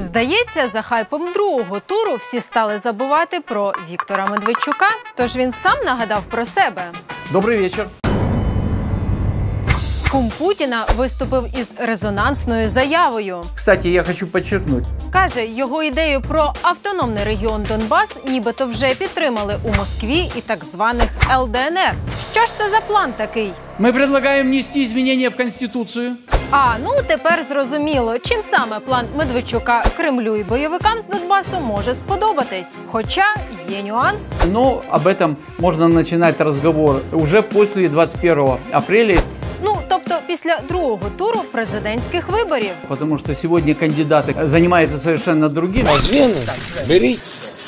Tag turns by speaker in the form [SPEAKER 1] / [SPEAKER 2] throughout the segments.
[SPEAKER 1] Здається, за хайпом другого туру всі стали забувати про Віктора Медведчука, тож він сам нагадав про себе.
[SPEAKER 2] Добрий вечір.
[SPEAKER 1] Кум Путіна виступив із резонансною заявою.
[SPEAKER 2] Кстати, я хочу подчеркнуть.
[SPEAKER 1] Каже, його ідею про автономний регіон Донбас нібито вже підтримали у Москві і так званих ЛДНР. Що ж це за план такий?
[SPEAKER 2] Ми пропонуємо внести зміни в Конституцію.
[SPEAKER 1] Тепер зрозуміло, чим саме план Медведчука Кремлю і бойовикам з Донбасу може сподобатись. Хоча є нюанс.
[SPEAKER 2] Но об этом можно начинать разговор уже после 21 апреля.
[SPEAKER 1] Тобто після другого туру президентських виборів.
[SPEAKER 2] Потому что сегодня кандидаты занимаются совершенно другим.
[SPEAKER 3] Беріть.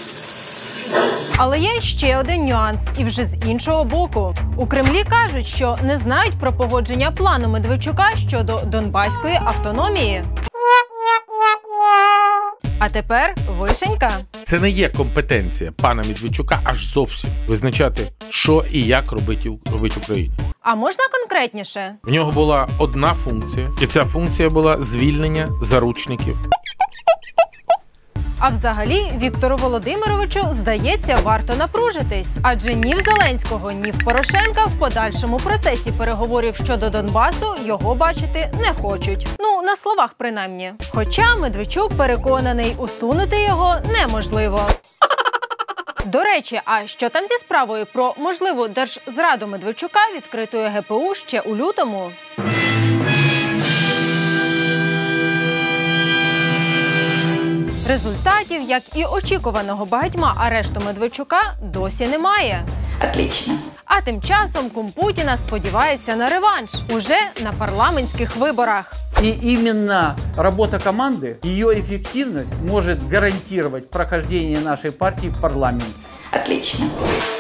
[SPEAKER 1] Але є ще один нюанс, і вже з іншого боку. У Кремлі кажуть, що не знають про погодження плану Медведчука щодо донбаської автономії. А тепер вишенька.
[SPEAKER 3] Це не є компетенція пана Медведчука аж зовсім визначати, що і як робить Україні.
[SPEAKER 1] А можна конкретніше?
[SPEAKER 3] В нього була одна функція, і ця функція була звільнення заручників.
[SPEAKER 1] А взагалі, Віктору Володимировичу, здається, варто напружитись. Адже ні в Зеленського, ні в Порошенка в подальшому процесі переговорів щодо Донбасу його бачити не хочуть. На словах принаймні. Хоча Медведчук переконаний, усунути його неможливо. До речі, а що там зі справою про можливу держзраду Медведчука, відкритою ГПУ ще у лютому? Результатів, як і очікуваного багатьма арешту Медведчука, досі немає.
[SPEAKER 4] Отлично.
[SPEAKER 1] А тим часом кум Путіна сподівається на реванш уже на парламентських виборах.
[SPEAKER 2] И именно работа команды, ее эффективность может гарантировать прохождение нашей партии в парламент.
[SPEAKER 4] Отлично.